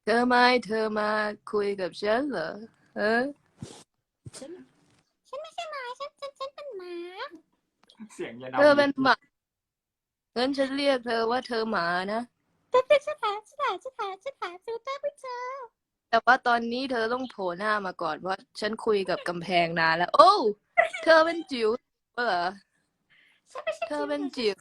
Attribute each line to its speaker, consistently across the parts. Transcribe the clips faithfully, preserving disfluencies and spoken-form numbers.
Speaker 1: เธอไม่เธอมาคุยกับฉันเหรอเออ
Speaker 2: ฉันฉันไม่ใช่หมาฉันฉันฉันเป็นหมา
Speaker 3: เสียงยา
Speaker 1: เธ
Speaker 3: นาวี
Speaker 1: อเป็นหมางั้นฉันเรียกเธอว่าเธอหมานะ
Speaker 2: แต่เป็นฉันหาฉันหาฉันหาฉันหาฟิลเตอร์ไม่เจอ
Speaker 1: แต่ว่าตอนนี้เธอต้องโผล่หน้ามาก่อนเพราะฉันคุยกับกำแพงนานแล้วโอ้เธอเป็นจิ๋วเหรอ
Speaker 2: ฉันไม่ใช่
Speaker 1: เธอ
Speaker 2: จิ๋ว
Speaker 1: เป็นจิ๋ว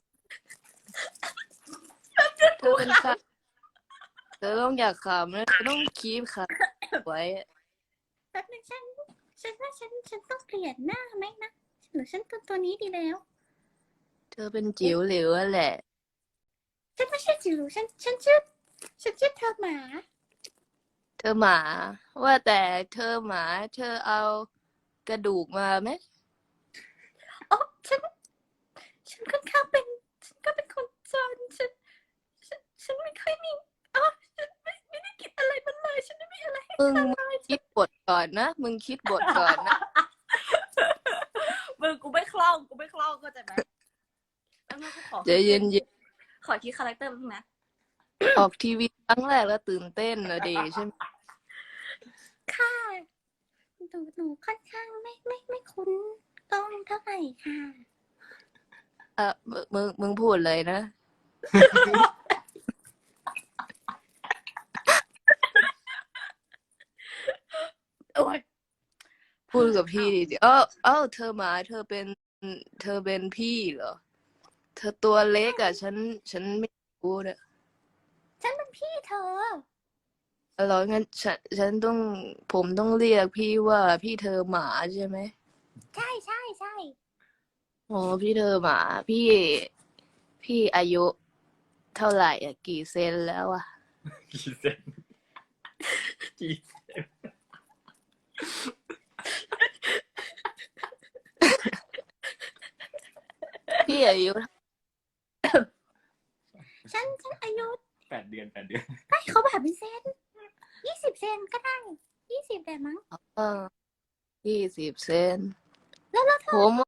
Speaker 1: เธ
Speaker 2: กูค่ะ
Speaker 1: อเป็นสัตว์เธอต้องอยากขำนะเธอต้องคีบขาไว้
Speaker 2: แป๊บนึงฉันฉันว่าฉันฉันต้องเปลี่ยนหน้าไหมนะหรือฉันตัวตัวนี้ดีแล้ว
Speaker 1: เธอเป็นจิ๋วเหลวแหละ
Speaker 2: ฉันไม่ใช่จิ๋วฉันฉันชื่อฉันชื่อเธอหมา
Speaker 1: เธอหมาว่าแต่เธอหมาเธอเอากระดูกมาไหม
Speaker 2: อ๋อฉันฉันค่อนข้างเป็นฉันก็เป็นคนจนฉันฉันฉันไม่ค่อยมีอ๋อฉันไม่ไม่ได้กินอะไรมันเลยฉันไม่มีอะไรให้
Speaker 1: มึง
Speaker 2: เธอเลยฉัน
Speaker 1: คิดบทก่อนนะมึงคิดบทก่อนนะ
Speaker 2: มึงกูไม่คล่องกูไม่คล่องเข้าใจไหมแล้วมึงกูขอ
Speaker 1: ใจเย็น
Speaker 2: ขอคิดคาแรคเตอร์มึงนะ
Speaker 1: ๆออกทีวีครั้งแรกแล้วตื่นเต้นนะเดใช่ไหม
Speaker 2: ค่ะหนูหนูค่อนข้างไม่ไม่ไม่คุ้นกล้องเท่าไหร่ค่ะ
Speaker 1: เออมึงมึงมึงพูดเลยนะ
Speaker 2: โอ้ย
Speaker 1: พูดกับพี่ดิเออเออเธอหมาเธอเป็นเธอเป็นพี่เหรอเธอตัวเล็กอ่ะฉันฉันไม่รู้นะ
Speaker 2: ฉันเป็นพี่เธอ
Speaker 1: เออแล้วงั้นฉันฉันต้องผมต้องเรียกพี่ว่าพี่เธอหมาใช่ไหม
Speaker 2: ใช่ใช่ใช่
Speaker 1: อ๋อพี่เธอหมาพี่พี่อายุเท่าไหร่อ่ะกี่เซนแล้วอ่ะ
Speaker 3: กี่เซนกี่เซน
Speaker 1: พี่อายุ
Speaker 2: ฉันฉันอายุ
Speaker 3: แปดเดือนแปดเดือน
Speaker 2: ให้เขาแบบเป็นเซนยี่สิบเซนก็ได้ยี่สิบแต่มั้ง
Speaker 1: เออยี่สิบเซน
Speaker 2: แล้วแล้วเธอ
Speaker 1: ผม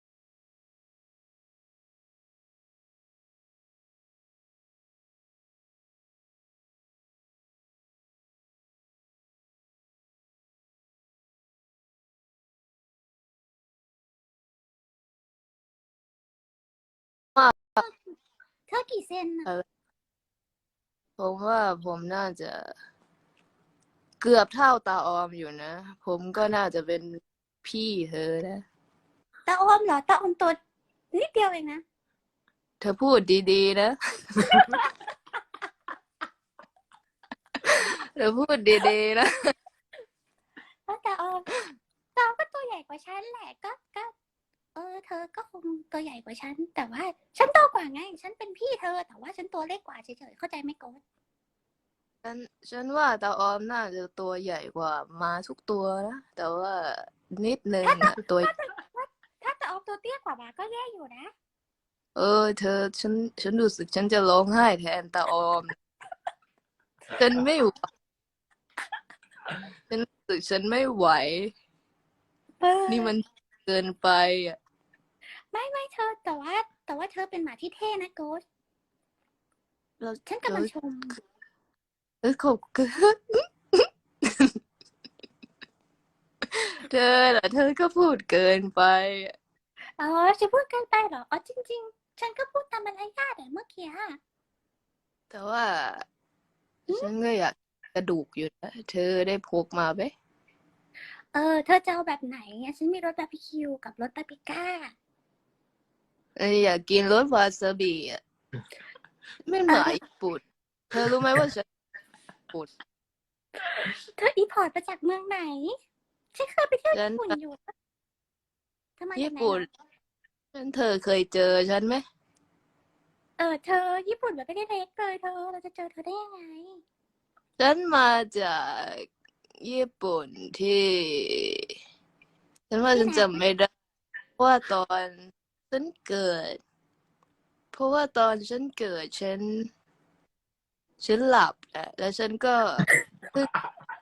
Speaker 1: ว่า
Speaker 2: เธอกี่เซนอะ
Speaker 1: เออผมว่าผมน่าจะ เกือบเท่าตาออมอยู่นะ ผมก็น่าจะเป็นพี่เธอนะ
Speaker 2: ตาออมเหรอตาออมตัวนิดเดียวเองนะ
Speaker 1: เธอพูดดีๆนะ เธอพูดดีๆนะ
Speaker 2: แล้วตาออมตาออมก็ตัวใหญ่กว่าฉันแหละก็ก็เออเธอก็คงตัวใหญ่กว่าฉันแต่ว่าฉันโตกว่าไงฉันเป็นพี่เธอแต่ว่าฉันตัวเล็กกว่าเฉยๆเข้าใจไหมโก๊ต
Speaker 1: ฉันฉันว่าตาออมน่าจะตัวใหญ่กว่าม้าทุกตัวนะ แต่ว่านิดนึง
Speaker 2: ถ้าตา
Speaker 1: อะตัว
Speaker 2: ถ้าถ้าถ้าตาออมตัวเตี้ยกว่ามาก็แย่อยู่นะ
Speaker 1: เออเธอฉันฉันรู้สึกฉันจะร้องไห้แทนตาออม ฉันไม่ไหวฉันรู้สึกฉันไม่ไหว
Speaker 2: เอ
Speaker 1: นี่มัน
Speaker 2: อ
Speaker 1: เกินไปอ่ะ
Speaker 2: ไม่ไม่เธอแต่ว่าแต่ว่าเธอเป็นหมาที่เท่นะโก๊ต
Speaker 1: เรา
Speaker 2: ฉัน
Speaker 1: เรา
Speaker 2: กำลังชม
Speaker 1: เออขอบคุณเธอเหรอเธอก็พูดเกินไปอะ
Speaker 2: อ๋อจะพูดเกินไปเหรออ๋อจริงๆฉันก็พูดตามมารยาทแต่เมื่อกี้อะ
Speaker 1: แต่ว่าฉันก็อยากกระดูกอยู่นะเธอได้พกมาไหม
Speaker 2: เออเธอจะเอาแบบไหนอะฉันมีรสบาร์บีคิวกับรสบาร์บีก้า
Speaker 1: เอออยากกินรสวาซาบิอ่ะเป็นหมา
Speaker 2: เออ
Speaker 1: ญี่ปุ่นเธอรู้ไหมว่าฉันญี่ปุ่น
Speaker 2: เธออีพอร์ตมาจากเมืองไหนฉันเคยไปเที่ยว
Speaker 1: ฉันมา
Speaker 2: ญี่ปุ่นอยู่เธอมาจาก
Speaker 1: ญี่ปุ่น
Speaker 2: ไหนเหรอ
Speaker 1: ฉันเธอเคยเจอฉันไหม
Speaker 2: เออเธอญี่ปุ่นมันไม่ได้เล็กเลยเธอเราจะเจอเธอได้ยังไง
Speaker 1: ฉันมาจากญี่ปุ่นที่ฉันว่าฉัน
Speaker 2: ที่ไหน
Speaker 1: จำไม่ได้เพราะว่าตอนฉันเกิดเพราะว่าตอนฉันเกิดฉันฉันหลับแหละแล้วฉันก็เพิ่ง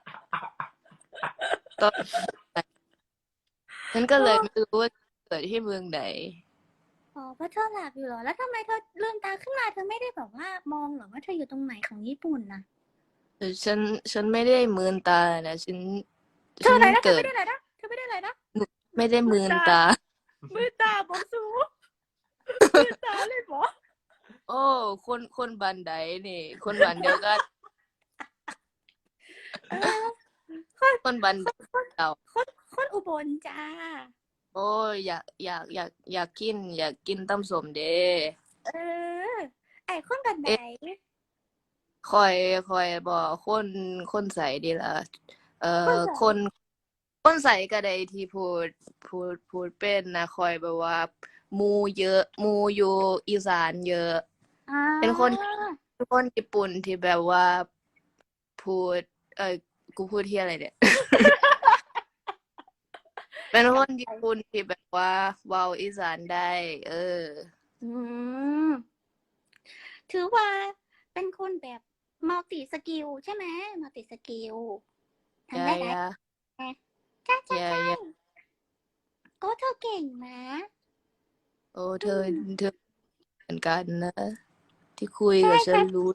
Speaker 1: ตอนฉันก็
Speaker 2: โอ้
Speaker 1: เลยไม่รู้ว่าเกิดที่เมืองไหน
Speaker 2: อ๋อเพราะเธอหลับอยู่เหรอแล้วทำไมเธอลืมตาขึ้นมาเธอไม่ได้แบบว่ามองเหรอว่าเธออยู่ตรงไหนของญี่ปุ่นนะ
Speaker 1: แต่ฉันฉันไม่ได้มืนตานะฉัน
Speaker 2: เธอ
Speaker 1: ฉัน
Speaker 2: อะไรนะเธอ
Speaker 1: เกิ
Speaker 2: ไม่
Speaker 1: ด
Speaker 2: ได้อะไรนะเธอไม่ได้อะไรนะ
Speaker 1: ไม่ได้มืนตา
Speaker 2: มือตาบอกสูมือตาเลยบอ
Speaker 1: โอ้ คนคนบันไดนี่ คนบันเดียวกัน
Speaker 2: เออ
Speaker 1: คนบันไดเก่า
Speaker 2: คนคนอุบลจ้า
Speaker 1: โอ้ยอยากอยากอยากอยากกิน อยากกินตำส้มเด้
Speaker 2: เออ ไอ้คนกันไหน
Speaker 1: คอยคอยบอกคนคนใส่ดีละเอ่
Speaker 2: คน
Speaker 1: อ
Speaker 2: ไหน
Speaker 1: คนคนใส่ก็ได้ที่พูดพูดพูดเป็นนะคอยแบบว่าหมู่เยอะหมู่อยู่อีสานเยอะ
Speaker 2: อ่า
Speaker 1: เป็นคนเป็นคนญี่ปุ่นที่แบบว่าพูด เอ้ยกูพูดเที่ยอะไรเนี่ย เป็นคนญี่ปุ่นที่แบบว่าเว้าอีสานได้ เออ
Speaker 2: อืมถือว่าเป็นคนแบบมัลติสกิลใช่ไหมมัลติสกิลทำ
Speaker 1: yeah
Speaker 2: ได้หลาย
Speaker 1: yeah
Speaker 2: ใช่ใช่
Speaker 1: yeah
Speaker 2: ใช่
Speaker 1: yeah
Speaker 2: โอ้เธอเก่งนะ
Speaker 1: โอ้เธอเธอเหมือนกันนะ ที่คุย
Speaker 2: ใช่
Speaker 1: กับฉั
Speaker 2: ใช่
Speaker 1: นรู้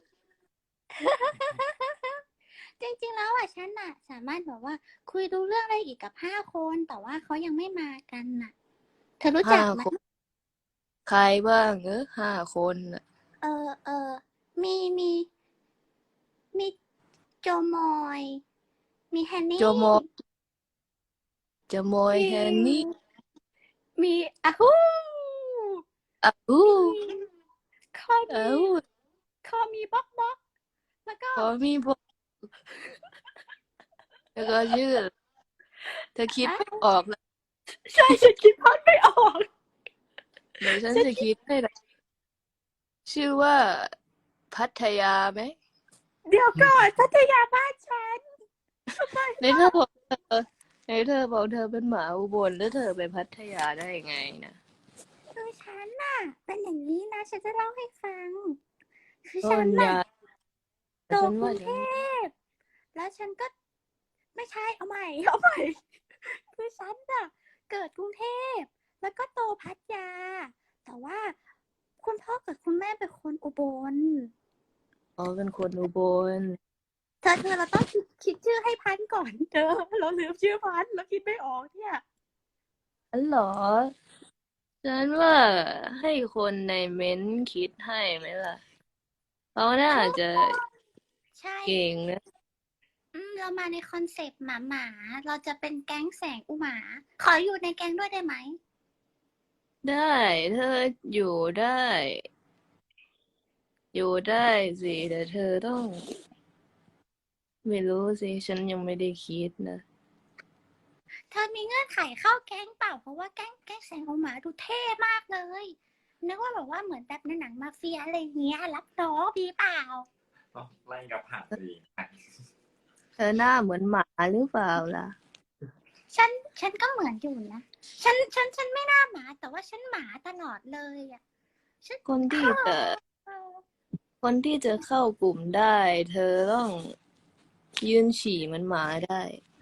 Speaker 2: จริงๆแล้วอ่ะฉันน่ะ สามารถแบบว่า คุยรู้เรื่องได้อีกกับห้าคน แต่ว่าเขายังไม่มากันน่ะ เธอรู้จั
Speaker 1: ห้าก
Speaker 2: ไหม
Speaker 1: คน ใครบ้างเออห้าคนน่ะ
Speaker 2: เออเออมีมีมีโจมอย มีแฮน
Speaker 1: โจ
Speaker 2: นี่
Speaker 1: โมโจโมย
Speaker 2: มี
Speaker 1: แฮนนี่
Speaker 2: มีอะฮู
Speaker 1: อ้าว
Speaker 2: มีคอ
Speaker 1: อ้า
Speaker 2: มี
Speaker 1: ว
Speaker 2: คอมีบ๊อกบ๊อกแล้วก็
Speaker 1: ขอมีพวกแล้วก็ชื่อ เธอคิด
Speaker 2: อ่ะ
Speaker 1: ไม่ออกเลย
Speaker 2: ใช่ฉันคิดพอดไม่ออก
Speaker 1: เดี๋ยวฉัน
Speaker 2: ฉัน
Speaker 1: จะ
Speaker 2: คิด
Speaker 1: คิดให้นะชื่อว่าพัทยาไหม
Speaker 2: เดี๋ยวก่อนพัทยาบ้านฉันทำไม
Speaker 1: ในเธอบอกเธอในเธอบอกเธอเป็นหมาอุบลแล้วเธอไปพัทยาได้ไงนะ
Speaker 2: คือฉันน่ะ เป็นอย่างนี้นะ ฉันจะเล่าให้ฟัง คือ
Speaker 1: โอ้
Speaker 2: ฉันน่ะ
Speaker 1: ยา
Speaker 2: โต
Speaker 1: ฉัน
Speaker 2: กรุ
Speaker 1: ว่าง
Speaker 2: เท
Speaker 1: ฉัน
Speaker 2: พ แล้วฉันก็ ไม่ใช่ เอาใหม่ เอาใหม่ คือฉันน่ะ เกิดกรุงเทพ แล้วก็โตพัทยา แต่ว่าคุณพ่อกับคุณแม่เป็นคนอุบล
Speaker 1: อ๋อเป็นคนอุบล
Speaker 2: เธอเธอเราต้องคิดคิดชื่อให้พันธุ์ก่อนเธอ เราลืมชื่อพันธุ์เราคิดไม่ออกเนี่ย
Speaker 1: อันเหรอ ฉันว่าให้คนในเม้นท์คิดให้ไหมล่ะ เขาน่าจะ
Speaker 2: ใช่
Speaker 1: เก่งนะ
Speaker 2: อืม เรามาในคอนเซปต์หมาหมาๆเราจะเป็นแก๊งแสงอุหมา ขออยู่ในแก๊งด้วยได้ไหม
Speaker 1: ได้ เธออยู่ได้ อยู่ได้สิ แต่เธอต้อง ไม่รู้สิ ฉันยังไม่ได้คิดนะ
Speaker 2: เธอมีเงื่อนไขเข้าแก๊งเปล่า เพราะว่าแก๊งแก๊งแสงอุหมาดูเท่มากเลย นึกว่าแบบว่าเหมือนแบบในหนังมาเฟียอะไรเงี้ย รับน้องดีเปล่า
Speaker 3: ต้องไล่กับหักสิ
Speaker 1: เธอหน้าเหมือนหมาหรือเปล่าล่ะ
Speaker 2: ฉัน ฉันก็เหมือนอยู่นะ ฉัน ฉัน ฉันไม่น่าหมา แต่ว่าฉันหมาตลอดเลยอ่ะ ฉัน
Speaker 1: คนที่จะ
Speaker 2: เออ
Speaker 1: คนที่จะเข้ากลุ่มได้ เธอต้องยืนฉี่เหมือนหมาได้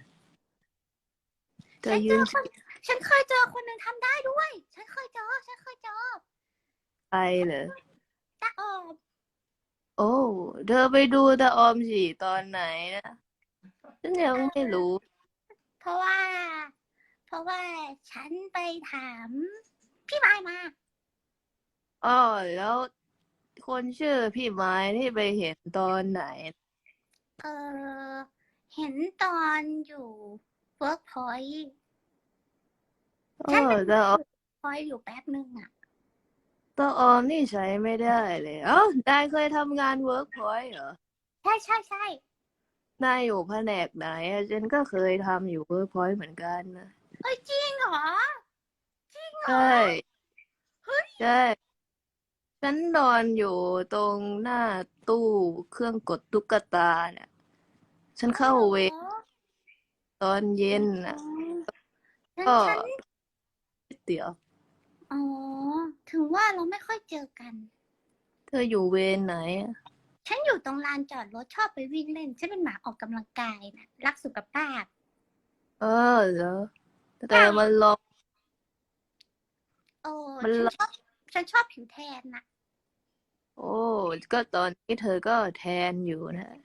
Speaker 1: เธ
Speaker 2: ฉั
Speaker 1: อน
Speaker 2: เจ
Speaker 1: ยื
Speaker 2: อน ค
Speaker 1: ฉี่
Speaker 2: น ฉันเคยเจอคนหนึ่งทำได้ด้วย ฉันเคยเจอ ฉันเคยเจอ
Speaker 1: ใครเหรอ
Speaker 2: ตาออม
Speaker 1: โอ้ เธอไปดูตาออมฉี่ตอนไหนนะ ฉันยังไม่รู้
Speaker 2: เพราะว่า เพราะว่าฉันไปถามพี่ไม้มา
Speaker 1: อ้อ แล้วคนชื่อพี่ไม้ที่ไปเห็นตอนไหน
Speaker 2: เออ เห็นตอนอยู่เวิร์กพอยต์
Speaker 1: อ้
Speaker 2: ฉั
Speaker 1: อน
Speaker 2: เป็น
Speaker 1: ตาออม
Speaker 2: พอยต์อยู่แป๊บนึงอ่ะ
Speaker 1: ตาออมนี่ใช้ไม่ได้เลย เอ้านายเคยทำงานเวิร์กพอยต์เหรอ
Speaker 2: ใช่ใช่ใช่
Speaker 1: นายอยู่แผนกไหนอะฉันก็เคยทำอยู่เวิร์กพอยต์เหมือนกันนะ
Speaker 2: เอ้ยจริงเหรอ จริงเหร
Speaker 1: ใช
Speaker 2: อ
Speaker 1: ่
Speaker 2: เฮ้ย
Speaker 1: ใช่ ฉันนอนอยู่ตรงหน้าตู้เครื่องกดตุ๊กตาเนี่ย ฉัน
Speaker 2: อ๋อ
Speaker 1: เข้า
Speaker 2: เหรอ
Speaker 1: เวรตอนเย็น
Speaker 2: อ๋อ
Speaker 1: น่ะ
Speaker 2: ฉัน
Speaker 1: ก็
Speaker 2: ฉัน
Speaker 1: เดี๋ยว
Speaker 2: อ๋อ ถึงว่าเราไม่ค่อยเจอกัน
Speaker 1: เธออยู่เวรไหนอะ
Speaker 2: ฉันอยู่ตรงลานจอดรถชอบไปวิ่งเล่น ฉันเป็นหมาออกกำลังกายนะรักสุขภาพ
Speaker 1: เออเหรอ แต่
Speaker 2: ใช่
Speaker 1: มันร้อน
Speaker 2: โอ้
Speaker 1: มัน
Speaker 2: ฉัน
Speaker 1: ร้อน
Speaker 2: ชอบ ฉันชอบผิวแทนน่ะ
Speaker 1: โอ้ ก็ตอนนี้เธอก็แทนอยู่นะ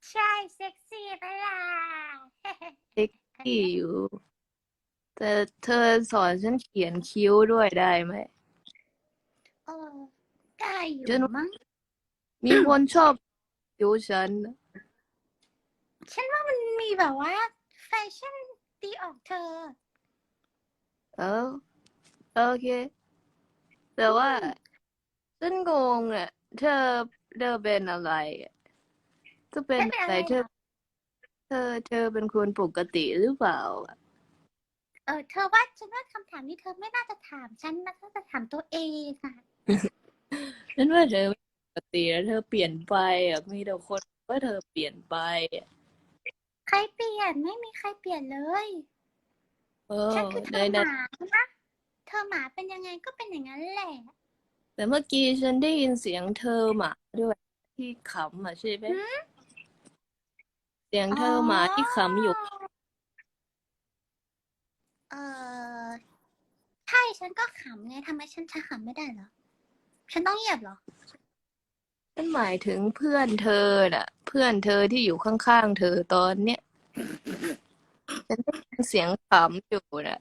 Speaker 2: ใช่เซ็กซี่ไปล่ะ
Speaker 1: เซ็กซี่อยู่ แต่เธอสอนฉันเขียนคิ้วด้วยได้ไหม
Speaker 2: เออได้อยู่
Speaker 1: ฉัน
Speaker 2: มั้ง
Speaker 1: มีคนชอบคิ้วฉันนะ
Speaker 2: ฉันว่ามันมีแบบว่า แฟชั่นตีออกเธอ
Speaker 1: เออโอเค แต่ว่าฉันงงอ่ะ เธอเธอเป็นอะไรอะเธอเป็น
Speaker 2: ไม่เป็น
Speaker 1: อะ
Speaker 2: อะไร ไร
Speaker 1: เธ
Speaker 2: หร
Speaker 1: อ
Speaker 2: อก
Speaker 1: เธอ เธอเป็นคนปกติหรือเปล่าอะ
Speaker 2: เออเธอว่าฉันว่าคำถามนี้เธอไม่น่าจะถามฉันนะเธอจะถามตัวเองค่ะ
Speaker 1: ฉันว่าเธอไม่ปกติแล้วเธอเปลี่ยนไปอ่ะมีแต่คนว่าเธอเปลี่ยนไปอะ
Speaker 2: ใครเปลี่ยนไม่มีใครเปลี่ยนเลย
Speaker 1: เอ
Speaker 2: ฉั
Speaker 1: อน
Speaker 2: คือเธ
Speaker 1: ใน
Speaker 2: อห
Speaker 1: ใน
Speaker 2: มานะ เธอหมาเป็นยังไงก็เป็นอย่างนั้นแหละ
Speaker 1: แต่เมื่อกี้ฉันได้ยินเสียงเธอหมาด้วยที่ขำอ่ะใช่ไหม
Speaker 2: หืม
Speaker 1: เสียง
Speaker 2: อ๋
Speaker 1: เธ
Speaker 2: อ
Speaker 1: อหมาที่ขำอยู่
Speaker 2: เออใช่ฉันก็ขำไงทำไมฉันจะขำไม่ได้เหรอ ฉันต้องเหยียบเหรอ
Speaker 1: ฉันหมายถึงเพื่อนเธอน่ะ เพื่อนเธอที่อยู่ข้างๆเธอตอนเนี้ยฉันได้ยินเสียงขำอยู่น่ะ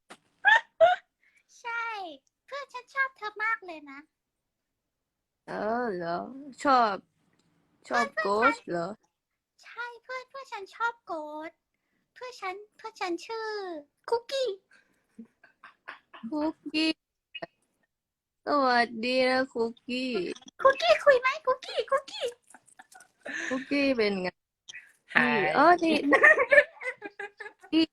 Speaker 2: ใช่ เพื่อนฉันชอบเธอมากเลยนะ
Speaker 1: เออเหรอ ชอบชอบโกสเหรอ
Speaker 2: ใช่เพื่อนเพื่อนฉันชอบโกดเพื่อนฉันเพื่อนฉันชื่อคุกกี้
Speaker 1: คุกกี้สวัสดีนะคุกกี้
Speaker 2: คุกกี้คุยไหมคุกกี้คุกกี้
Speaker 1: คุกกี้เป็นไง
Speaker 3: ไฮ
Speaker 1: นี่อ๋อนี่นี่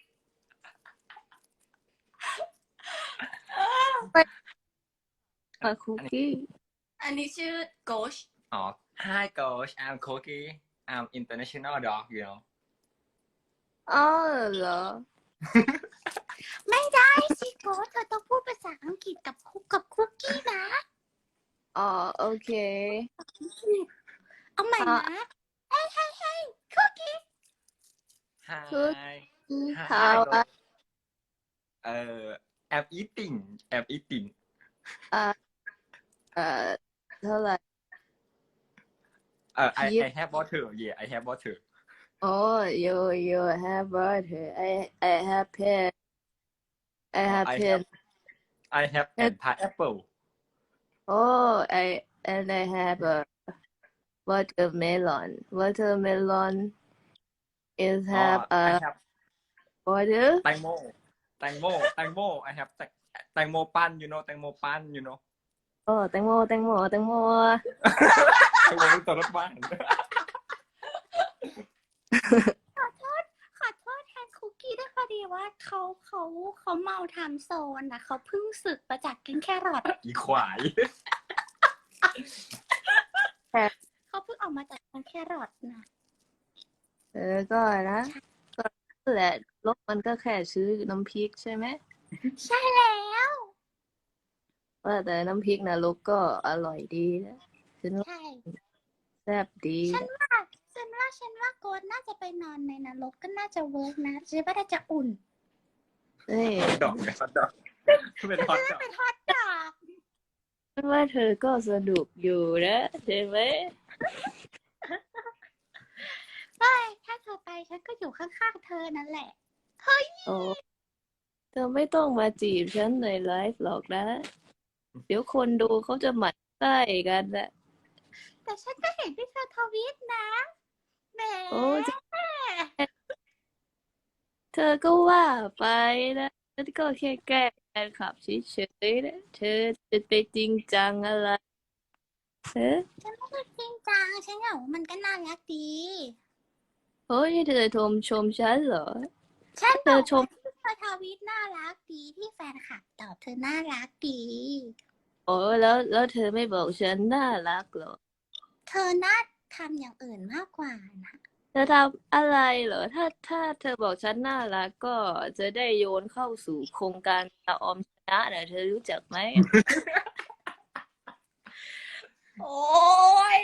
Speaker 1: ไปมาคุกกี้
Speaker 4: อันนี้ชื่อโกช
Speaker 3: อ๋อ Hi coach I'm Cookie I'm international dog you know
Speaker 1: อ๋อเหรอ
Speaker 2: ไม่ได้สิโกดเธอต้องพูดภาษาอังกฤษกับคุกกับคุกกี้นะ
Speaker 1: อ๋อโอเค
Speaker 2: เอาใหม่
Speaker 1: อ่ะ
Speaker 2: นะเฮ้ยเฮ้ยเฮ้ยคุกกี้
Speaker 3: Hi
Speaker 1: คุกกี้
Speaker 3: Hi
Speaker 1: how
Speaker 3: Hi
Speaker 1: are
Speaker 3: coach เอ่อ I'm eating I'm eating
Speaker 1: อ่าเอ่อเท่าไหร่
Speaker 3: เอ่อ I
Speaker 1: พีช
Speaker 3: I have water yeah I have water
Speaker 1: โอ้ you you have butter I I have pen I
Speaker 3: อ๋อ
Speaker 1: have
Speaker 3: I
Speaker 1: pen
Speaker 3: have I have and pineapple
Speaker 1: oh I and I have a watermelon watermelon is
Speaker 3: อ๋อ
Speaker 1: have a
Speaker 3: I have
Speaker 1: water
Speaker 3: แตงโมแตงโมแตงโม I have แตงแตงโมปั้น you know แตงโมปั้น you know
Speaker 1: โอ้แตงโมแตงโมแตงโม
Speaker 3: แตงโมเป็นตัวรถบ้าน
Speaker 2: ขอโทษขอโทษแทนคุกกี้ด้วยพอดีว่าเขาเขาเขาเมาไทม์โซนนะเขาเพิ่งสึกมาจากกินแครอท
Speaker 3: อีควาย
Speaker 2: เขาเพิ่งออกมาจากกินแครอทนะ
Speaker 1: เออก็นะก็นั่นแหละลบมันก็แค่ซื้อน้ำพริกใช่ไหม
Speaker 2: ใช่แล้ว
Speaker 1: ว่าแต่น้ำพริกนรกก็อร่อยดีนะฉันว่า
Speaker 2: ใช่
Speaker 1: แซ่บดี
Speaker 2: ฉันว่าฉันว่าฉันว่าโกดน่าจะไปนอนในนรกก็น่าจะเวิร์กนะฉันว่าน่าจะอุ่น
Speaker 1: เฮ้ย
Speaker 3: ดอกฮอตดอกเป็นฮอตดอก
Speaker 2: เป็นฮอตดอก
Speaker 1: ฉันว่าเธอก็สนุกอยู่นะใช่ไหม
Speaker 2: เฮ้ยถ้าเธอไปฉันก็อยู่ข้างๆเธอนั่นแหละ เฮ้ย
Speaker 1: โอ้เธอไม่ต้องมาจีบฉันในไลฟ์หรอกนะ เดี๋ยวคนดูเขาจะหมั่นไส้กันนะ
Speaker 2: แต่ฉันก็เห็นที่เธอทวีตนะแหม
Speaker 1: โอ้จะเธอก็ว่าไปนะฉันก็แค่แกล้งแฟนคลับเฉยๆนะเธอจะไปจริงจังอะไรเออ
Speaker 2: ฉันไม่ได้จริงจังฉันอยากว่ามันก็น่ารักดี
Speaker 1: โอ้ยเธอชมชมฉันเหรอ
Speaker 2: ฉัน
Speaker 1: เธ
Speaker 2: บอ
Speaker 1: อก ชม
Speaker 2: ว่าที่เธอทวีตน่ารักดีที่แฟนคลับตอบเธอน่ารักดี
Speaker 1: โอ้แล้วแล้วเธอไม่บอกฉันน่ารักเหรอ
Speaker 2: เธอน่าทำอย่างอื่นมากกว่านะ
Speaker 1: เธอทำอะไรเหรอ ถ้าถ้าเธอบอกฉันน่ารักก็จะได้โยนเข้าสู่โครงการตาออมชนะนะเธอรู้จักไหม
Speaker 4: โอ้ย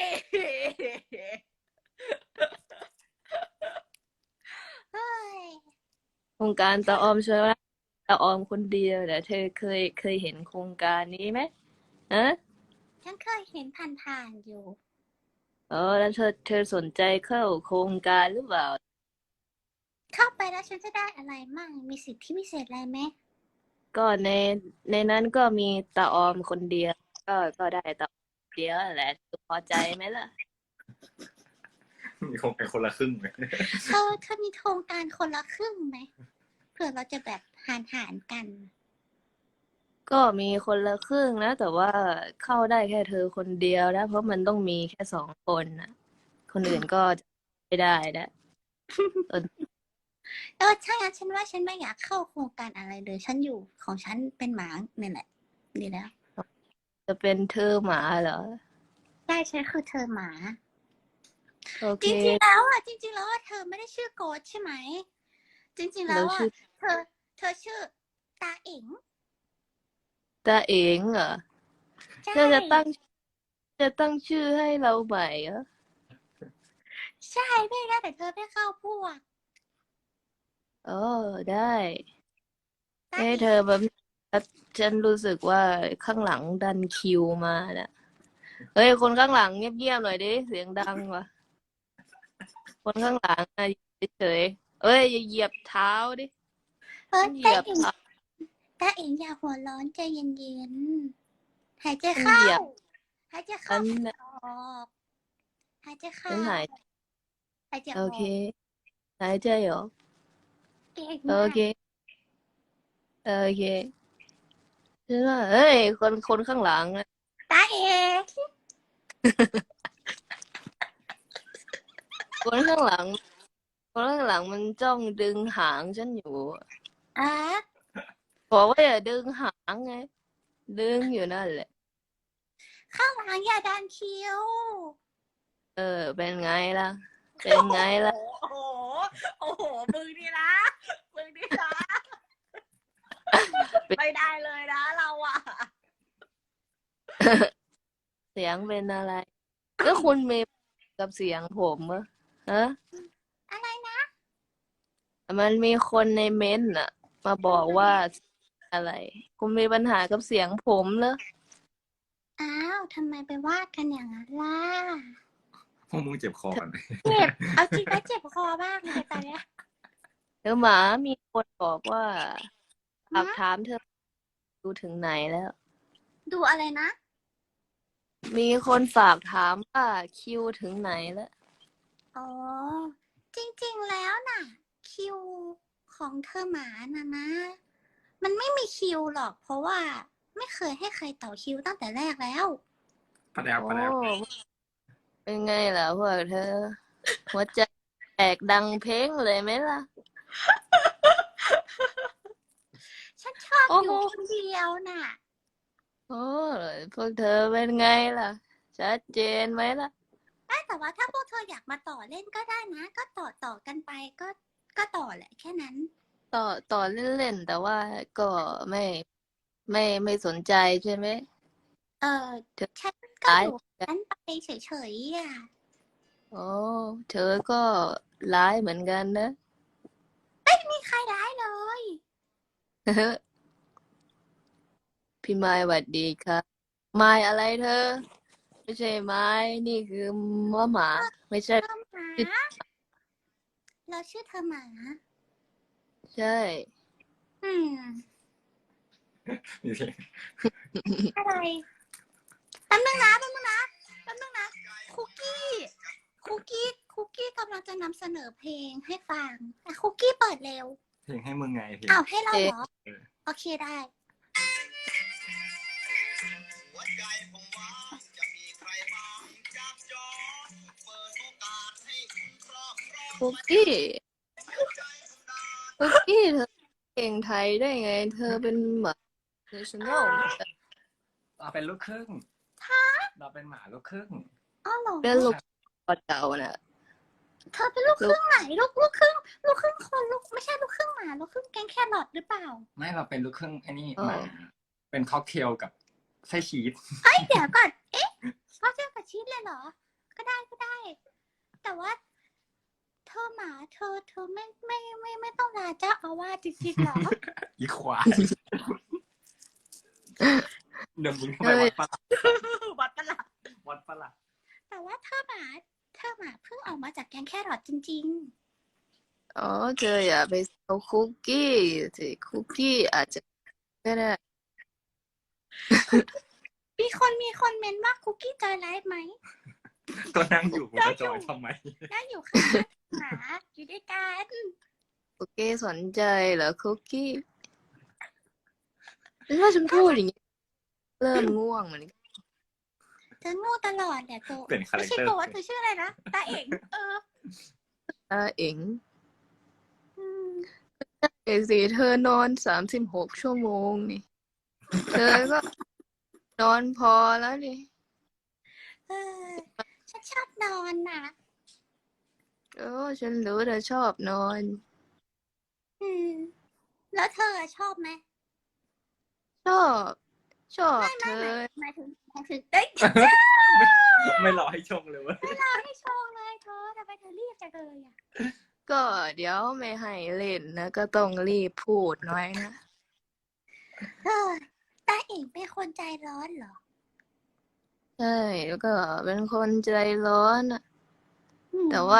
Speaker 2: เฮ้ย
Speaker 1: โครงการตาออมชนะตาออมคนเดียวนะเธอเคยเคยเห็นโครงการนี้ไหมฮะ
Speaker 2: ฉันเคยเห็นผ่านๆอยู่
Speaker 1: เออแล้วเธอเธอสนใจเข้าโครงการหรือเปล่า
Speaker 2: เข้าไปแล้วฉันจะได้อะไรมั่งมีสิทธิพิเศษอะไรไหม
Speaker 1: ก็ในในนั้นก็มีตาออมคนเดียว ก็ก็ได้ตาออมคนเดียวแหละเธอพอใจไหมล่ะ
Speaker 3: มีคงเป็นคนละครึ่งเลย
Speaker 2: เธอเธอมีโครงการคนละครึ่งไหมเผื่อเราจะแบบหารหารกัน
Speaker 1: ก็มีคนละครึ่งนะ แต่ว่าเข้าได้แค่เธอคนเดียวนะ เพราะมันต้องมีแค่สองคนนะคนอื่นก็จะไม่ได้นะเออ
Speaker 2: เออใช่งั้นฉันว่าฉันไม่อยากเข้าโครงการอะไรเลย ฉันอยู่ของฉันเป็นหมาเนี่ยแหละดีแล้ว
Speaker 1: จะเป็นเธอหมาเหรอ
Speaker 2: ใช่ฉันคือเธอหมา
Speaker 1: โอ
Speaker 2: จ
Speaker 1: เค
Speaker 2: ริงๆแล้วอ่ะจริงๆแล้วอ่ะเธอไม่ได้ชื่อโกดใช่ไหม จริงๆแล้
Speaker 1: เรา
Speaker 2: วอ่ะ
Speaker 1: ชื่อ
Speaker 2: เธอ เธอชื่อตาเอ๋ง
Speaker 1: ตาเองเหรอ
Speaker 2: ใช่
Speaker 1: เธอจะตั้งจะตั้งชื่อให้เราใหม่เหรอ
Speaker 2: ใช่ไม่ได้แต่เธอไม่เข้าพวก
Speaker 1: เออได้
Speaker 2: ตา
Speaker 1: เอ้
Speaker 2: เอ๋
Speaker 1: เธอง แบบ ฉันรู้สึกว่าข้างหลังดันคิวมาน่ะ เฮ้ย คนข้างหลังเงียบๆหน่อยดิ เสียงดังว่ะ คนข้างหลังอะอยู่เฉยๆเอ้ยอย่าเหยียบเท้าดิ
Speaker 2: เฮ้ย
Speaker 1: เห
Speaker 2: ตา
Speaker 1: ยียบ
Speaker 2: เอ๋ง
Speaker 1: เท้า
Speaker 2: ตาเอ๋งอย่าหัวร้อนใจเย็นๆหายใจ
Speaker 1: ฉัน
Speaker 2: เข้า
Speaker 1: เหยียบ
Speaker 2: หายใจ
Speaker 1: ฉั
Speaker 2: เข้าน หายใจออกหายใจ
Speaker 1: ฉั
Speaker 2: เข้าน
Speaker 1: หาย
Speaker 2: หายใจ
Speaker 1: โอ
Speaker 2: ออ
Speaker 1: เค
Speaker 2: ก
Speaker 1: หายใจออก
Speaker 2: เก่ง
Speaker 1: โอ
Speaker 2: มาก
Speaker 1: เค โอเคฉันว่าเฮ้ย คนคนข้างหลังอะ
Speaker 2: ตาเอ๋ง
Speaker 1: คนข้างหลัง คนข้างหลังมันจ้องดึงหางฉันอยู่
Speaker 2: อ่ะ
Speaker 1: บอกว่าอย่าดึงหางไง ดึงอยู่นั่นแหละ
Speaker 2: ข้างหลังอย่าดันคิ้ว
Speaker 1: เออ เป็นไงล่ะ เป็นไงล่ะ
Speaker 4: โอ้โห โอ้โห มึงนี่นะ มึงนี่นะ ไม่ได้เลยนะเราอ่ะ
Speaker 1: เสียงเป็นอะไร แล้วคุณมีกับเสียงผมเหรอฮะ
Speaker 2: อะไรนะ
Speaker 1: มันมีคนในเม้นต์น่ะ มาบอกว่าอะไร คุณมีปัญหากับเสียงผมเหรอ
Speaker 2: อ้าวทำไมไปว่ากันอย่างนั้นล่ะ
Speaker 3: พวกมึงเจ็บคอกัน
Speaker 2: เจ็บ เอาจริงนะเจ็บคอมากเลยตอนเนี้ย
Speaker 1: เธอหมามีคนบอกว่าฝาก
Speaker 2: ฮะ
Speaker 1: ถามเธอดูถึงไหนแล้ว
Speaker 2: ดูอะไรนะ
Speaker 1: มีคนฝากถามว่าคิวถึงไหนแล้ว
Speaker 2: อ๋อ จริงๆแล้วน่ะ คิวของเธอหมาน่ะนะ มันไม่มีคิวหรอก เพราะว่าไม่เคยให้ใครต่อคิวตั้งแต่แรกแล้ว
Speaker 3: ปะแดว
Speaker 1: โอ้
Speaker 3: ปะแดว
Speaker 1: เป็นไงล่ะพวกเธอ หัวใจแตกดังเพลงเลยไหมล่ะ
Speaker 2: ฉันชอบ
Speaker 1: โอ้
Speaker 2: อ
Speaker 1: โห
Speaker 2: ยู่คนเดียวน่ะ
Speaker 1: โอ้พวกเธอเป็นไงล่ะ ชัดเจนไหมล่ะ
Speaker 2: ไม่แต่ว่าถ้าพวกเธออยากมาต่อเล่นก็ได้นะ ก็ต่อต่อกันไปก็ก็ต่อแหละแค่นั้น
Speaker 1: ต่อต่อเล่นๆแต่ว่าก็ไม่ไม่ไม่สนใจใช่ไหม
Speaker 2: เออ
Speaker 1: เธอ
Speaker 2: ฉันก็
Speaker 1: ร้าย
Speaker 2: อยู่นั้นไปเฉยๆอ่ะ
Speaker 1: โอ้เธอก็ร้ายเหมือนกันนะ
Speaker 2: ไม่มีใครร้ายเลย
Speaker 1: พี่ไม้หวัดดีครับไม้อะไรเธอ ไม่ใช่ไม้นี่คือมะหมา ไม่ใช่
Speaker 2: เธอหมา เราชื่อเธอหมา
Speaker 1: ใช่
Speaker 2: อืม
Speaker 3: มีเพลง
Speaker 2: อะไรแป๊บนึงนะแป๊บนึงนะแป๊บนึงนะ คุกกี้ คุกกี้ คุกกี้กำลังจะนำเสนอเพลงให้ฟังอ่ะคุกกี้เปิดเร็ว
Speaker 3: เพลงให้มึงไงเพลง
Speaker 2: อ้าวให้เราเหรอ
Speaker 3: เออ
Speaker 2: โอเคได้
Speaker 1: คุกกี้คุกกี้เธอเก่งไทยได้ไง เธอเป็นหมา national
Speaker 3: เราเป็นลูกครึ่งเราเป็นหมาลูกครึ่ง
Speaker 2: อ้าวเหรอ
Speaker 1: เป็นลูกเก่าน่ะ
Speaker 2: เธอเป็นลูกครึ่งไหน ลูกลูกครึ่ง ลูกครึ่งคนลูกไม่ใช่ลูกครึ่งหมา ลูกครึ่งแกงแครอทหรือเปล่า
Speaker 3: ไม่เราเป็นลูกครึ่งไอ้นี่
Speaker 1: อ๋อ
Speaker 3: หมาเป็นค็อกเทลกับไส้ชีส
Speaker 2: เอ้ยเดี๋ยวก่อน เอ๊ะเขาเจอกับชีสเลยเหรอ ก็ได้ก็ได้ แต่ว่า เธอหมา เธอ เธอไม่ไม่ไม่ไม่ต้องลาเจ้าอาวาสจริงๆเหรอ
Speaker 3: อีควายเดี๋ยวมึงทำไมวัดปะล่ะ
Speaker 4: วัดปะล่ะ
Speaker 3: วัดปะล่ะ
Speaker 2: แต่แต่ว่าเธอหมาเธอหมาเพิ่งออกมาจากแกงแครอทจริง
Speaker 1: อ๋อเธออย่าไปเอาคุกกี้สิคุกกี้อาจจะก็ได้
Speaker 2: ๆ มีคนมีคนเมนว่าคุกกี้จอยไลฟ์ไหม
Speaker 3: ก็นั่งอยู่กูจะจอยทำไม
Speaker 2: นั่งอยู่ข้างหมาอยู่ด้วยกัน
Speaker 1: คุกกี้สนใจเหรอคุกกี้ถ้าฉันพูดอย่างนี้เริ่มง่วงเหมือนกัน
Speaker 2: เธอโง่ตลอดแหละโก
Speaker 3: เปลี่ยนคาแร
Speaker 2: ไม่
Speaker 3: ค
Speaker 2: ใช่
Speaker 3: เตอร์
Speaker 2: โกว่าเธอชื่ออะไรนะตาเองเออ
Speaker 1: อ่าเอ๋ง
Speaker 2: อืม
Speaker 1: เอกสิเธอนอนสามสิบหกชั่วโมงนี่ เธอก็นอนพอแล้วนี่
Speaker 2: เออฉันชอบนอนน่ะ
Speaker 1: โอ้ฉันรู้เธอชอบนอน
Speaker 2: อืม แล้วเธอชอบไหม
Speaker 1: ชอบ ชอบ
Speaker 2: ไม่
Speaker 1: เธ
Speaker 2: ไม่
Speaker 1: อ
Speaker 2: หมายหมายถึงหมายถึงเอ้ย
Speaker 3: ไม่รอให้ชงเลยเวะ
Speaker 2: ไม่รอให้โชว์เลยเธอทำไมเธอรีบจังเลยอ่ะ
Speaker 1: ก็เดี๋ยวไม่ให้เล่นนะ ก็ต้องรีบพูดหน่อยนะ
Speaker 2: เออตาเองเป็นคนใจร้อนเหรอ
Speaker 1: ใช่แล้วก็เป็นคนใจร้อนอะ
Speaker 2: อืม
Speaker 1: แต่ว่า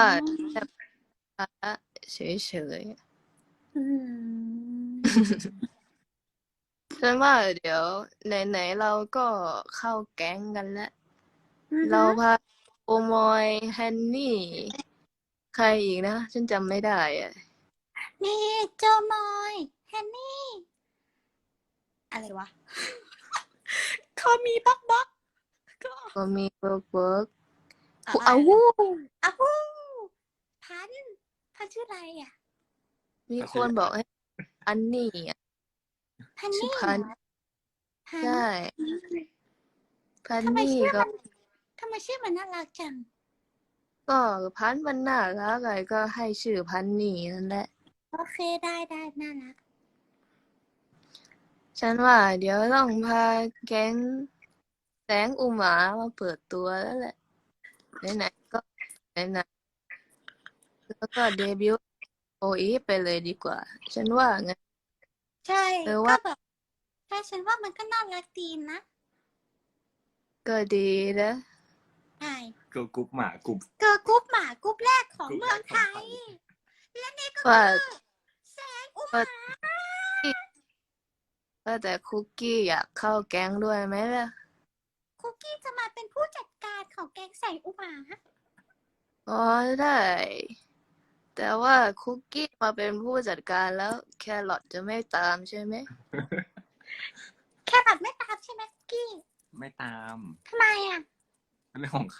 Speaker 1: เฉย
Speaker 2: อืม
Speaker 1: ๆฉันว่าเดี๋ยวไหนๆเราก็เข้าแก๊งกันแล้ว
Speaker 2: อือฮึ
Speaker 1: เราพาโอมอยแฮนนี่ ใครอีกนะ ฉันจำไม่ได้อะ
Speaker 2: นี่โจมอยแฮนนี่ อะไรวะ เขามีบล็อกบล็อกก็
Speaker 1: ก็มีเวิร์กเวิร์ก
Speaker 2: อะ
Speaker 1: เอา
Speaker 2: ไร
Speaker 1: วู้
Speaker 2: อ้าวฮู้พันพันชื่ออะไรอ่ะ
Speaker 1: มีคนบอกให้อันนี่อะ
Speaker 2: พัน
Speaker 1: ชื่อ
Speaker 2: นี่
Speaker 1: พัน
Speaker 2: เหรอพัน
Speaker 1: ใช่ พัน
Speaker 2: ทำไม
Speaker 1: นี่
Speaker 2: ชื่อ
Speaker 1: ก็
Speaker 2: มันทำไมชื่อมันน่ารักจัง
Speaker 1: ก็พันมันน่ารักไงก็ให้ชื่อพันนี่นั่นแหละ
Speaker 2: โอเคได้ได้น่ารัก
Speaker 1: ฉันว่าเดี๋ยวต้องพาแก๊งแสงอุหมามาเปิดตัวแล้วแหละไหนๆก็ไหนๆแล้วก็เดบิวต์โออีไปเลยดีกว่า ฉันว่าไง
Speaker 2: ใช่
Speaker 1: เออ
Speaker 2: ก็
Speaker 1: ว่า
Speaker 2: แบบใช่ฉันว่ามันก็น่ารักดีนะ
Speaker 1: ก็ดีนะ
Speaker 2: ใช่
Speaker 3: เกิร์ลกรุ๊ปหมากรุ๊ป
Speaker 2: เกิร์ลกรุ๊ปหมากรุ๊ปแรกของ
Speaker 3: กรุ๊ป
Speaker 2: เมื
Speaker 3: แร
Speaker 2: อง
Speaker 3: กข
Speaker 2: ไท
Speaker 3: องไท
Speaker 2: ย
Speaker 3: ย
Speaker 2: และนี่ก็
Speaker 1: ว่า
Speaker 2: คือแสงอุมา
Speaker 1: ว่าแต่คุกกี้อยากเข้าแก๊งด้วยไหมล่ะ
Speaker 2: คุกกี้จะมาเป็นผู้จัดการของแกงแสงอุมา
Speaker 1: อ๋อได้ แต่ว่าคุกกี้มาเป็นผู้จัดการแล้วแครอทจะไม่ตามใช่ไหม
Speaker 2: แครอทไม่ตามใช่ไหมคุกกี้
Speaker 3: ไม่ตาม
Speaker 2: ทำไมอ่ะ
Speaker 3: เรื่องของเขา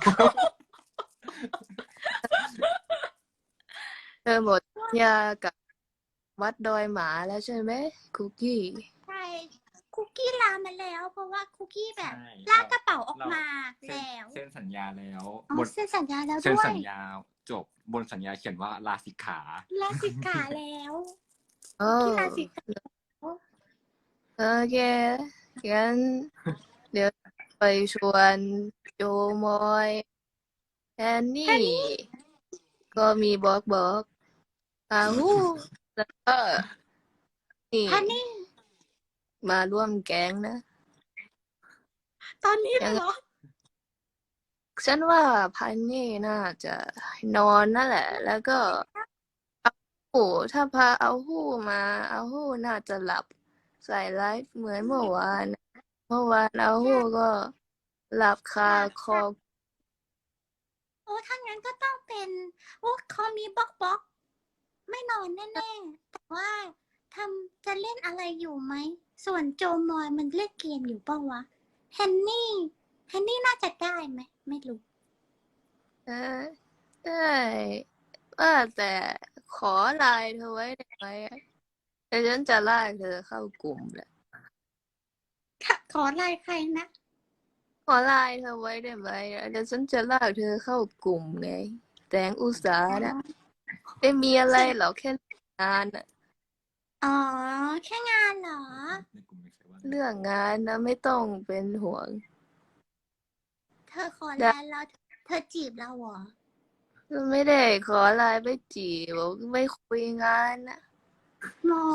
Speaker 1: เธอหมดสัญญากับวัดดอยหมาแล้วใช่ไหมคุกกี้
Speaker 2: ใช่คุกกี้ลามาแล้ว เพราะว่าคุกกี้แบบ
Speaker 3: ใช่
Speaker 2: ลากกระเป๋าออก
Speaker 3: เรา
Speaker 2: มา
Speaker 3: เซ็น
Speaker 2: แล้ว
Speaker 3: เซ็นสัญญาแล้ว
Speaker 2: อ๋อบ
Speaker 3: น
Speaker 2: เซ็นสัญญาแล้ว
Speaker 3: เซ็น
Speaker 2: ด้วย
Speaker 3: สัญญาจบบนสัญญาเขียนว่าลาสิกขา
Speaker 2: ลาสิกขาแล้ว
Speaker 1: โอ้
Speaker 2: คุกกี้ลาสิกขา
Speaker 1: โอเคงั้นเดี๋ยวไปชวนโจมอยแอนนี่ ก็มีบอกบอกอาหูแล้วก็นี่
Speaker 2: พันนี่
Speaker 1: มาร่วมแก๊งนะ
Speaker 2: ตอนนี้เลยเหรอ
Speaker 1: ฉันว่าพันนี่น่าจะนอนนั่นแหละ แล้วก็เอาหูถ้าพาเอาหูมาเอาหูน่าจะหลับใส่ไลฟ์เหมือนเมื่อวานเมื่อวานเอาหูก็หลับคาคอ
Speaker 2: โอ้ถ้างั้นก็ต้องเป็นโอ้เขามีบล็อกบล็อกไม่นอนแน่ๆ แต่ว่าทำจะเล่นอะไรอยู่ไหม ส่วนโจมอยมันเล่นเกมอยู่เปล่าวะแฮนนี่แฮนนี่น่าจะได้ไหม ไม่รู้
Speaker 1: เออได้ว่าแต่ขอไลน์เธอไว้ได้ไหมแต่ฉันจะลากเธอเข้ากลุ่มแหละ
Speaker 2: ขอไลน์ใครนะ
Speaker 1: ขอไลน์เธอไว้ได้ไหมเดี๋ยวฉันจะลากเธอเข้ากลุ่มไงแสงอุตสาหนะไม่มีอะไรหรอกแค่งานอะ
Speaker 2: อ๋อ แค่งานเหรอ
Speaker 3: ในกลุ่มมีใครว่า
Speaker 1: เรื่องงานนะไม่ต้องเป็นห่วง
Speaker 2: เธอขอไลน์แล้วเธอจีบเราเหรอ
Speaker 1: ไม่ได้ขอไลน์ไปจีบไม่คุยงานนะ
Speaker 2: หมอ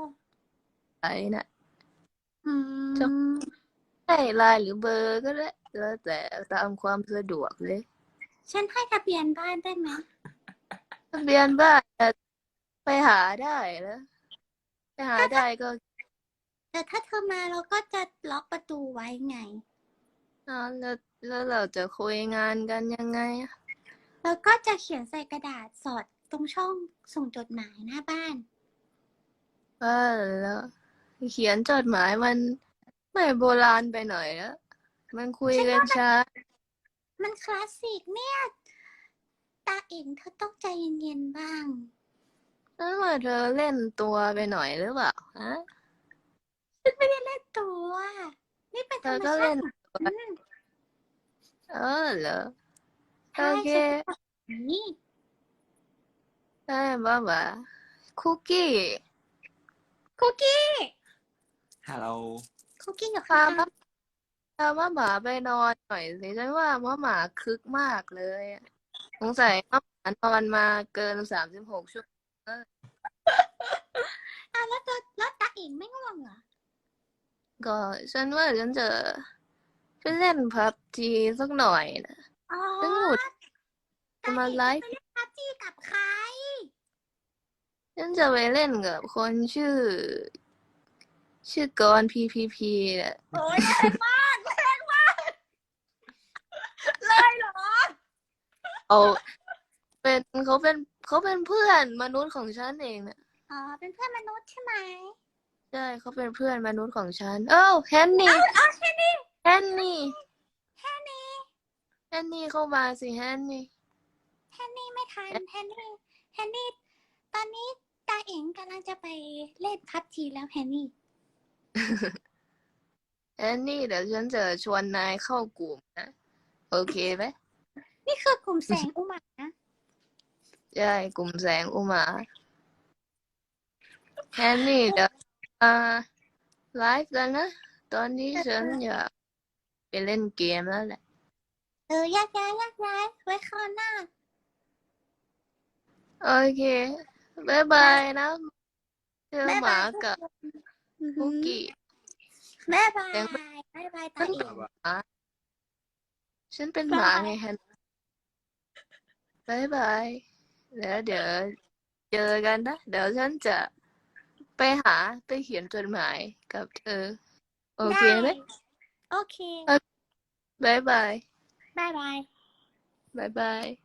Speaker 1: ไอ้นะ
Speaker 2: อืม
Speaker 1: ให้ไลน์หรือเบอร์ก็ได้แล้วแต่ตามความสะดวกเลย
Speaker 2: ฉันให้ทะเบียนบ้านได้ไหม
Speaker 1: ทะเบียนบ้านน่ะไปหาได้แล้วไปหาได้ก็
Speaker 2: แต่ถ้าเธอมาเราก็จะล็อกประตูไว้ไง
Speaker 1: อ่าแล้วแล้วเราจะคุยงานกันยังไงอะ
Speaker 2: แล้วก็จะเขียนใส่กระดาษสอดตรงช่องส่งจดหมายหน้าบ้าน
Speaker 1: ว่าแล้วเขียนจดหมายมันไม่โบราณไปหน่อยแล้วมันคุยกันช้า
Speaker 2: มันคลาสสิกเนี่ย ตาเองเธอต้องใจเย็นๆบ้าง
Speaker 1: แล้วว่าเธอเล่นตัวไปหน่อยหรือเปล่าฮะ
Speaker 2: ฉันไม่ได้เล่นตัว นี่เป็น
Speaker 1: เธ
Speaker 2: ธร
Speaker 1: อ
Speaker 2: รม
Speaker 1: ก็
Speaker 2: ชา
Speaker 1: เล่น
Speaker 2: ติของฉัน
Speaker 1: เออเหรอ
Speaker 2: ใช่
Speaker 1: โอเค
Speaker 2: ฉันเป็นแบบนี้
Speaker 1: ได้บ้าบ่าคุกกี้
Speaker 2: คุกกี้
Speaker 3: ฮัลโหล
Speaker 2: คุกกี้อยู่
Speaker 1: พา
Speaker 2: ข้าง
Speaker 1: บ้าพาว่าหมาไปนอนหน่อยสิฉันว่าว่าหมาคึกมากเลยอะสงสัยว่าหมานอนมาเกินสามสิบหกชั่วโมง
Speaker 2: ๆอ่ะแล้วตัวแล้วตาเองไม่ง่วงเหรอ
Speaker 1: ก็ฉันว่าฉันจะไปเล่นพับจีสักหน่อยนะ
Speaker 2: อ๋อ
Speaker 1: ฉันหลุด
Speaker 2: ตา
Speaker 1: มา
Speaker 2: เอง
Speaker 1: ไล
Speaker 2: จะ
Speaker 1: ฟ์
Speaker 2: ไปเล่นพับจีกับใคร
Speaker 1: ฉันจะไปเล่นกับคนชื่อ ชื่อกรพีพีพีแหละ
Speaker 4: โอ้ยแรงมากแรงมากเลยเหรอ
Speaker 1: เอาเป็นเขาเป็นเขาเป็นเพื่อนมนุษย์ของฉันเองนะ
Speaker 2: อ๋อ เป็นเพื่อนมนุษย์ใช่ไหม
Speaker 1: ใช่เขาเป็นเพื่อนมนุษย์ของฉัน เอ้าแฮนนี่
Speaker 2: อ๋อแค่นี้
Speaker 1: แฮนนี่
Speaker 2: แค่นี้
Speaker 1: แฮนนี่เข้ามาสิแฮนนี่
Speaker 2: แฮนนี่ไม่ทันแฮนนี่แฮนนี่ ตอนนี้ตาเองกำลังจะไปเล่นพับจีแล้วแฮนนี่
Speaker 1: แฮนนี่เดี๋ยวฉันจะชวนนายเข้ากลุ่มนะโอเคไหม
Speaker 2: นี่คือกลุ่มแสงอุมานะ
Speaker 1: ใช่กลุ่มแสงอุมาแฮนนี่เดี๋ยวมาไลฟ์กันนะ ตอนนี้ฉันอยากไปเล่นเกมแล้วแหละ
Speaker 2: เออแยกย้ายแยกย้ายไว้คราวหน้า
Speaker 1: โอเคบ๊ายบายนะเจอ
Speaker 2: บ๊าย
Speaker 1: ห
Speaker 2: บา
Speaker 1: มา
Speaker 2: ยทุก
Speaker 1: กับ
Speaker 2: คนอือหื
Speaker 1: คุ
Speaker 2: อก
Speaker 1: กี้
Speaker 2: บ๊ายบาย
Speaker 1: เสียง
Speaker 2: บ๊ายบายตาเอง
Speaker 1: ฉันเป็นหมาไงแฮนบายบายแล้วเดี๋ยวเจอกันนะ เดี๋ยวฉันจะไปหาไปเขียนจดหมายกับเธอ โอเคไหม
Speaker 2: โอเค
Speaker 1: บายบาย
Speaker 2: บ๊ายบาย
Speaker 1: บายบาย